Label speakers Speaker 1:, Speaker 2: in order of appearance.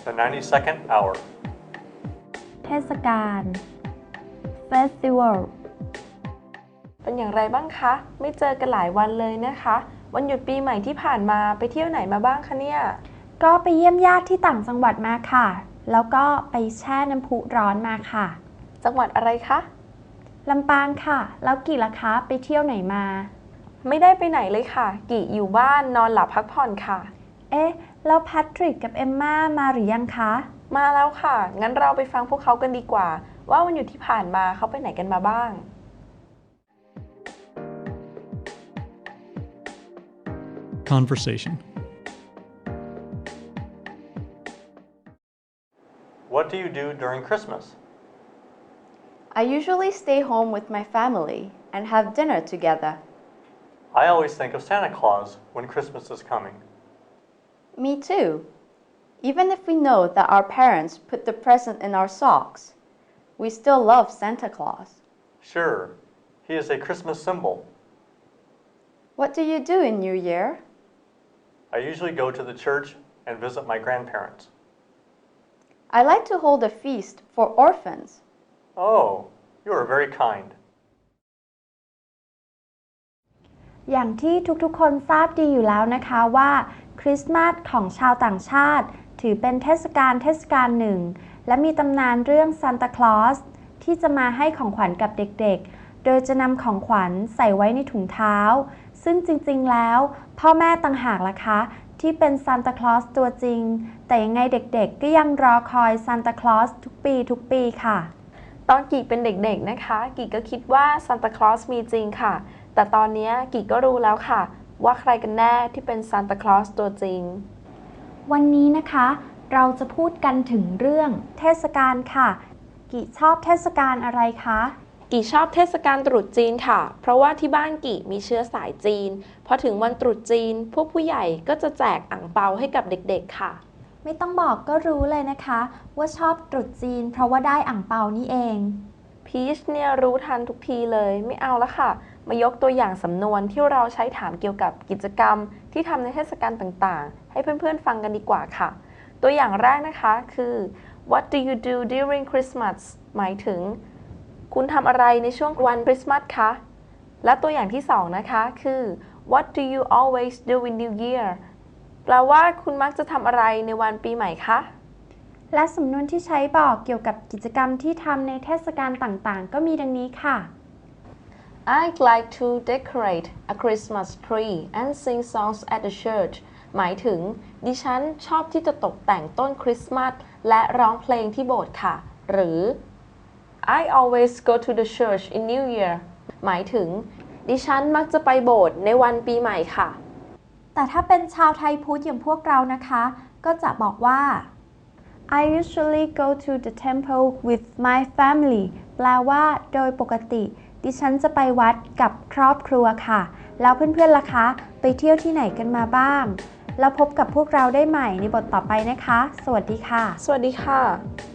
Speaker 1: The 92nd hour.
Speaker 2: เทศกาล Festival
Speaker 3: เป็นอย่างไรบ้างคะ ไม่เจอกันหลายวันเลยนะคะ วันหยุดปีใหม่ที่ผ่านมาไปเที่ยวไหนมาบ้างคะเนี่ย
Speaker 2: ก็ไปเยี่ยมญาติที่ต่างจังหวัดมาค่ะ แล้วก็ไปแช่น้ำพุร้อนมาค่ะ
Speaker 3: จังหวัดอะไรคะ
Speaker 2: ลำปางค่ะ แล้วกี่ล่ะคะไปเที่ยวไหนมา
Speaker 3: ไม่ได้ไปไหนเลยค่ะ กี่อยู่บ้านนอนหลับพักผ่อนค่ะ
Speaker 2: เอ๊ะ แล้วแพทริกกับเอมม่ามาหรือยังคะ
Speaker 3: มาแล้วค่ะ งั้นเราไปฟังพวกเขากันดีกว่า ว่าวันหยุดที่ผ่านมาเขาไปไหนกันมาบ้าง
Speaker 4: Conversation.
Speaker 1: What do you do during Christmas?
Speaker 5: I usually stay home with my family and have dinner together.
Speaker 1: I always think of Santa Claus when Christmas is coming.
Speaker 5: Me too. Even if we know that our parents put the present in our socks, we still love Santa Claus.
Speaker 1: Sure, he is a Christmas symbol.
Speaker 5: What do you do in New Year?
Speaker 1: I usually go to the church and visit my grandparents.
Speaker 5: I like to hold a feast for orphans.
Speaker 1: Oh, you are very kind.
Speaker 2: อย่างที่ทุกๆคนทราบดีอยู่แล้วนะคะว่าคริสต์มาสของชาวต่างชาติถือเป็นเทศกาลหนึ่งและมีตำนานเรื่องซานตาคลอสที่จะมาให้ของขวัญกับเด็กๆโดยจะนำของขวัญใส่ไว้ในถุงเท้าซึ่งจริงๆแล้วพ่อแม่ต่างหากล่ะคะที่เป็นซานตาคลอสตัวจริงแต่ยังไงเด็กๆก็ยังรอคอยซานตาคลอสทุกปีค่ะ
Speaker 3: ตอนกี่เป็นเด็กๆนะคะ กี่ก็คิดว่าซานตาคลอสมีจริงค่ะ แต่ตอนนี้กี่ก็รู้แล้วค่ะว่าใครกันแน่ที่เป็นซานตาคลอสตัวจริง
Speaker 2: วันนี้นะคะเราจะพูดกันถึงเรื่องเทศกาลค่ะกี่ชอบเทศกาลอะไรคะ
Speaker 3: กี่ชอบเทศกาลตรุษจีนค่ะเพราะว่าที่บ้านกี่มีเชื้อสายจีนพอถึงวันตรุษจีนพวกผู้ใหญ่ก็จะแจกอั่งเปาให้กับเด็กๆค่ะ
Speaker 2: ไม่ต้องบอกก็รู้เลยนะคะว่าชอบตรุษจีนเพราะว่าได้อั่งเปานี่เอง
Speaker 3: พีชเนี่ยรู้ทันทุกทีเลยไม่เอาละค่ะมายกตัวอย่างสำนวนที่เราใช้ถามเกี่ยวกับกิจกรรมที่ทำในเทศกาลต่างๆให้เพื่อนๆฟังกันดีกว่าค่ะตัวอย่างแรกนะคะคือ What do you do during Christmas หมายถึงคุณทำอะไรในช่วงวันคริสต์มาสคะและตัวอย่างที่สองนะคะคือ What do you always do in New Year แปลว่าคุณมักจะทำอะไรในวันปีใหม่คะ
Speaker 2: และสำนวนที่ใช้บอกเกี่ยวกับกิจกรรมที่ทำในเทศกาลต่างๆก็มีดังนี้ค่ะ
Speaker 3: I'd like to decorate a Christmas tree and sing songs at the church หมายถึงดิฉันชอบที่จะตกแต่งต้นคริสต์มาสและร้องเพลงที่โบสถ์ค่ะหรือ I always go to the church in New Year หมายถึงดิฉันมักจะไปโบสถ์ในวันปีใหม่ค่ะ
Speaker 2: แต่ถ้าเป็นชาวไทยพุทธอย่างพวกเรานะคะก็จะบอกว่า I usually go to the temple with my family แปลว่าโดยปกติดิฉันจะไปวัดกับครอบครัวค่ะแล้วเพื่อนๆล่ะคะไปเที่ยวที่ไหนกันมาบ้างแล้วพบกับพวกเราได้ใหม่ในบทต่อไปนะคะสวัสดีค่ะ
Speaker 3: สวัสดีค่ะ